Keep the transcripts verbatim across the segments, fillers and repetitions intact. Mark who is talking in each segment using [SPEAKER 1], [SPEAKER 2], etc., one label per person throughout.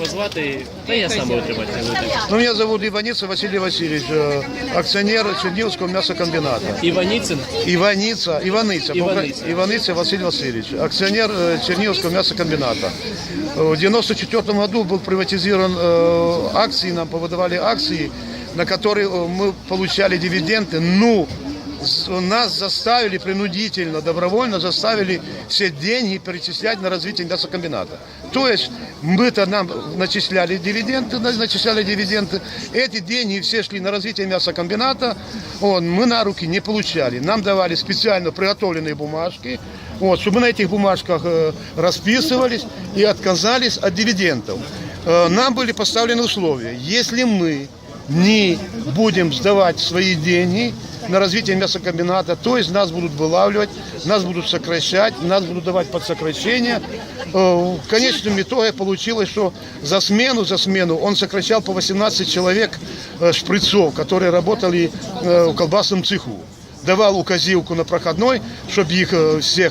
[SPEAKER 1] вас звати? Та я сам буду тримати.
[SPEAKER 2] Ну, меня зовут Иваницын Василий Васильевич, э, акционер Черниговского мясокомбината.
[SPEAKER 1] Иваницын?
[SPEAKER 2] Иваница, Иваныца,
[SPEAKER 1] Иваныца.
[SPEAKER 2] Иваныца Василий Васильевич, акционер э, Черниговского мясокомбината. Э, В девяносто четвёртом году был приватизирован э, акции, нам повыдавали акции, на которые э, мы получали дивиденды. Ну, с- нас заставили принудительно, добровольно заставили все деньги перечислять на развитие мясокомбината. То есть мы-то нам начисляли дивиденды, на- начисляли дивиденды. Эти деньги все шли на развитие мясокомбината. Вот, мы на руки не получали. Нам давали специально приготовленные бумажки, вот, чтобы мы на этих бумажках э, расписывались и отказались от дивидендов. Э, нам были поставлены условия. Если мы не будем сдавать свои деньги на развитие мясокомбината, то есть нас будут вылавливать, нас будут сокращать, нас будут давать под сокращение. Э, В конечном итоге получилось, что за смену, за смену он сокращал по восемнадцать человек э, шприцов, которые работали э, в колбасном цеху. Давал указивку на проходной, чтобы их э, всех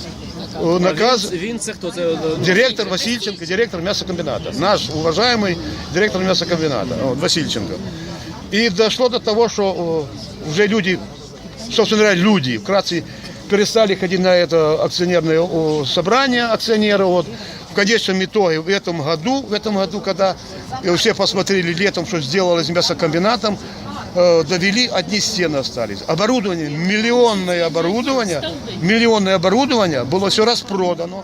[SPEAKER 2] э, наказ...
[SPEAKER 1] Він, він це хто? Це, е,
[SPEAKER 2] Директор Васильченко, директор мясокомбината. Наш уважаемый директор мясокомбината, вот, Васильченко. И дошло до того, что э, уже люди, собственно говоря, люди вкратце перестали ходить на это акционерное э, собрание акционеров. Вот. В конечном итоге в этом году, в этом году, когда э, все посмотрели летом, что сделалось с мясокомбинатом, э, довели, одни стены остались. Оборудование, миллионное оборудование, миллионное оборудование было все распродано.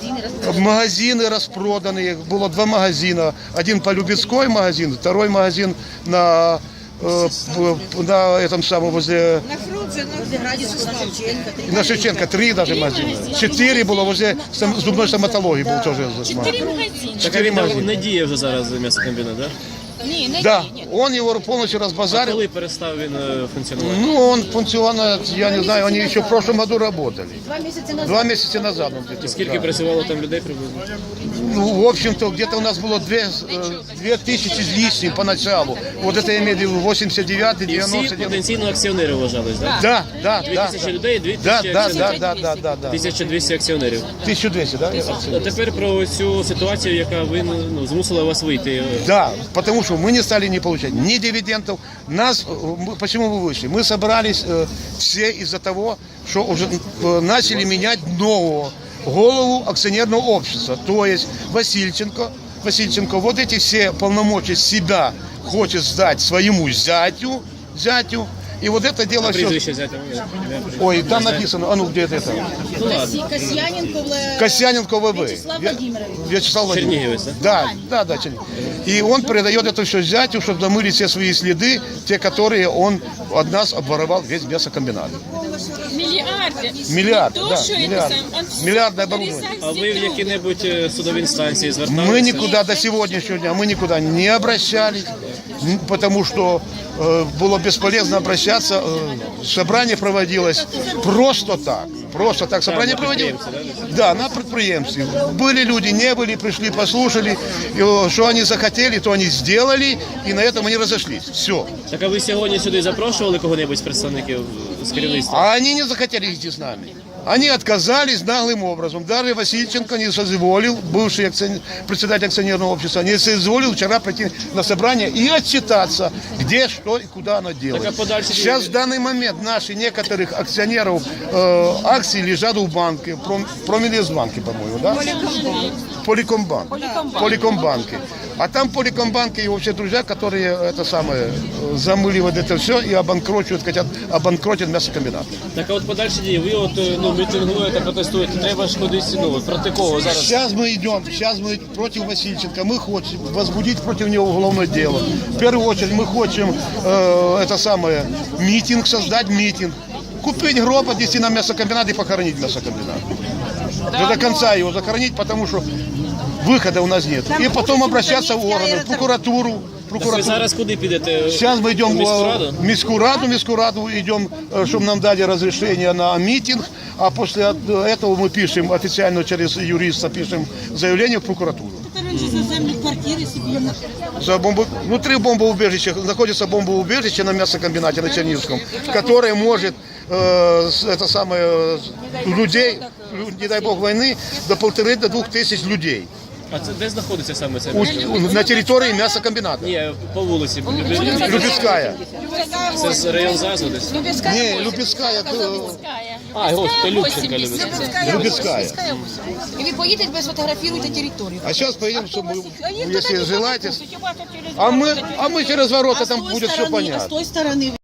[SPEAKER 2] Магазины распроданы, было два магазина. Один по-любецкой магазин, второй магазин на, э, п- на этом самом возле...
[SPEAKER 3] На Фрунзе, на Градиса, на Шевченко. три
[SPEAKER 2] На Шевченко три даже магазина. Четыре было возле сам- зубной стоматологии, был тоже.
[SPEAKER 4] Чотири магазини.
[SPEAKER 1] так, а він не, не діє вже зараз м'ясокомбінат, да?
[SPEAKER 4] Ні, не
[SPEAKER 2] Да,
[SPEAKER 4] діє.
[SPEAKER 2] он его полностью
[SPEAKER 1] А
[SPEAKER 2] разбазарил.
[SPEAKER 1] коли перестав він е, функціонувати?
[SPEAKER 2] Ну, он функционально, я не знаю, они еще в прошлом году работали.
[SPEAKER 3] Два місяці назад.
[SPEAKER 2] Два месяца назад он где-то.
[SPEAKER 1] Скільки
[SPEAKER 2] да.
[SPEAKER 1] працювало там людей приблизно?
[SPEAKER 2] Ну, в общем-то, где-то у нас было две, э, две тысячи с лишним поначалу. Вот это я имею в виду восемьдесят девятый,
[SPEAKER 1] І всі
[SPEAKER 2] девяносто девятый.
[SPEAKER 1] потенційно акціонери вважались, так?
[SPEAKER 2] Да, да,
[SPEAKER 1] Дві
[SPEAKER 2] да.
[SPEAKER 1] тисячі людей, дві
[SPEAKER 2] Да,
[SPEAKER 1] тисячі
[SPEAKER 2] да,
[SPEAKER 1] акціонерів.
[SPEAKER 2] да, да, да, да, да.
[SPEAKER 1] тисяча двісті акціонерів.
[SPEAKER 2] тысяча двести, да?
[SPEAKER 1] А тепер про цю ситуацію, яка ви ну, змусила вас вийти.
[SPEAKER 2] Да, потому что мы не стали не получать ни дивидендов. Нас, э, мы- почему мы вышли? Мы собрались э, все из-за того, что уже э, начали менять нового голову акционерного общества. То есть Васильченко, Васильченко вот эти все полномочия себя хочет сдать своему зятю, зятю. И вот это дело
[SPEAKER 1] А
[SPEAKER 2] все...
[SPEAKER 1] прізвище взяти?
[SPEAKER 2] Ой, там написано, а ну где это?
[SPEAKER 1] Ну ладно.
[SPEAKER 3] Касі- Касьяненко, Вле-
[SPEAKER 2] Касьяненко ВВ.
[SPEAKER 3] Вячеслав
[SPEAKER 2] Я-
[SPEAKER 3] Владимирович.
[SPEAKER 2] Вячеслав Владимирович.
[SPEAKER 1] Черниговец,
[SPEAKER 2] Да, да, да, Черниговец. И он передает это все зятю, чтобы замылить все свои следы, те, которые он от нас обворовал весь мясокомбинат.
[SPEAKER 4] Мільярди.
[SPEAKER 2] Миллиарды,
[SPEAKER 4] То,
[SPEAKER 2] да,
[SPEAKER 4] що це
[SPEAKER 2] миллиарды.
[SPEAKER 4] сам, он все
[SPEAKER 2] Миллиардное оборудование.
[SPEAKER 1] А ви в які-небудь е, судові інстанції зверталися?
[SPEAKER 2] Мы никуда до сегодняшнего дня, мы никуда не обращались, н- потому что э, было бесполезно обращаться. Э, собрание проводилось просто так. Просто так собрание
[SPEAKER 1] на
[SPEAKER 2] проводилось. Да, на предприемстве. Были люди, не были, пришли, послушали. И, э, что они захотели, то они сделали, и на этом они разошлись. Все.
[SPEAKER 1] Так а ви сьогодні сюди запрошували кого-небудь з представників з керівництва?
[SPEAKER 2] А они не захотели идти с нами. Они отказались наглым образом. Даже Васильченко не соизволил, бывший акционер, председатель акционерного общества, не соизволил вчера прийти на собрание и отчитаться, где, что и куда оно делает.
[SPEAKER 1] Так, а подальше-
[SPEAKER 2] Сейчас в данный момент наши некоторых акционеров э, акций лежат в банке, Пром- Проминвестбанке, по-моему, да? Поликомбанк. Поликомбанке. А там Поликомбанке и вообще друзья, которые это самое э, замыливают это все и обанкрочивают, хотят обанкротить мясокомбинат.
[SPEAKER 1] Так а от подальші дії, ви от е, ну, мітингуєте, протестуєте, треба ж кудись, ну, проти кого зараз?
[SPEAKER 2] Сейчас мы идем, сейчас мы против Васильченко, мы хотим возбудить против него уголовное дело. В первую очередь мы хотим э, это самое, митинг, создать митинг. Купить гроб, отнести на мясокомбинат и похоронить мясокомбинат. Да до конца его захоронить, потому что выхода у нас нет. И потом обращаться в органы, в прокуратуру.
[SPEAKER 1] Так ви
[SPEAKER 2] прокуратуру.
[SPEAKER 1] зараз куди підете?
[SPEAKER 2] Сейчас мы идем
[SPEAKER 1] в міську
[SPEAKER 2] в
[SPEAKER 1] раду?
[SPEAKER 2] міську раду, міську раду идем, э, чтобы нам дали разрешение на митинг, а после от- этого мы пишем официально через юриста пишем заявление в прокуратуру.
[SPEAKER 3] Раніше за землю квартири собі.
[SPEAKER 2] За бомбо... Внутри бомбоубежища находится бомбоубежище на мясокомбинате на Черниговском, которое может э, с- это самое, э, людей, лю- не дай бог войны, до полторы до двух тысяч людей.
[SPEAKER 1] А це де знаходиться саме це?
[SPEAKER 2] У- На территории мясокомбината.
[SPEAKER 1] Ні, по вулиці.
[SPEAKER 2] Любецкая.
[SPEAKER 1] Це з район ЗАЗу десь?
[SPEAKER 2] Не, Любецкая. э,
[SPEAKER 1] А, ось, це Любченка, Любецька.
[SPEAKER 2] Любецкая.
[SPEAKER 3] І ви поїдете, ви сфотографуєте територію.
[SPEAKER 2] А сейчас поедем, чтобы, если желаете. А мы, а мы через ворота, там будет все
[SPEAKER 3] А з
[SPEAKER 2] понятно.
[SPEAKER 3] тої сторони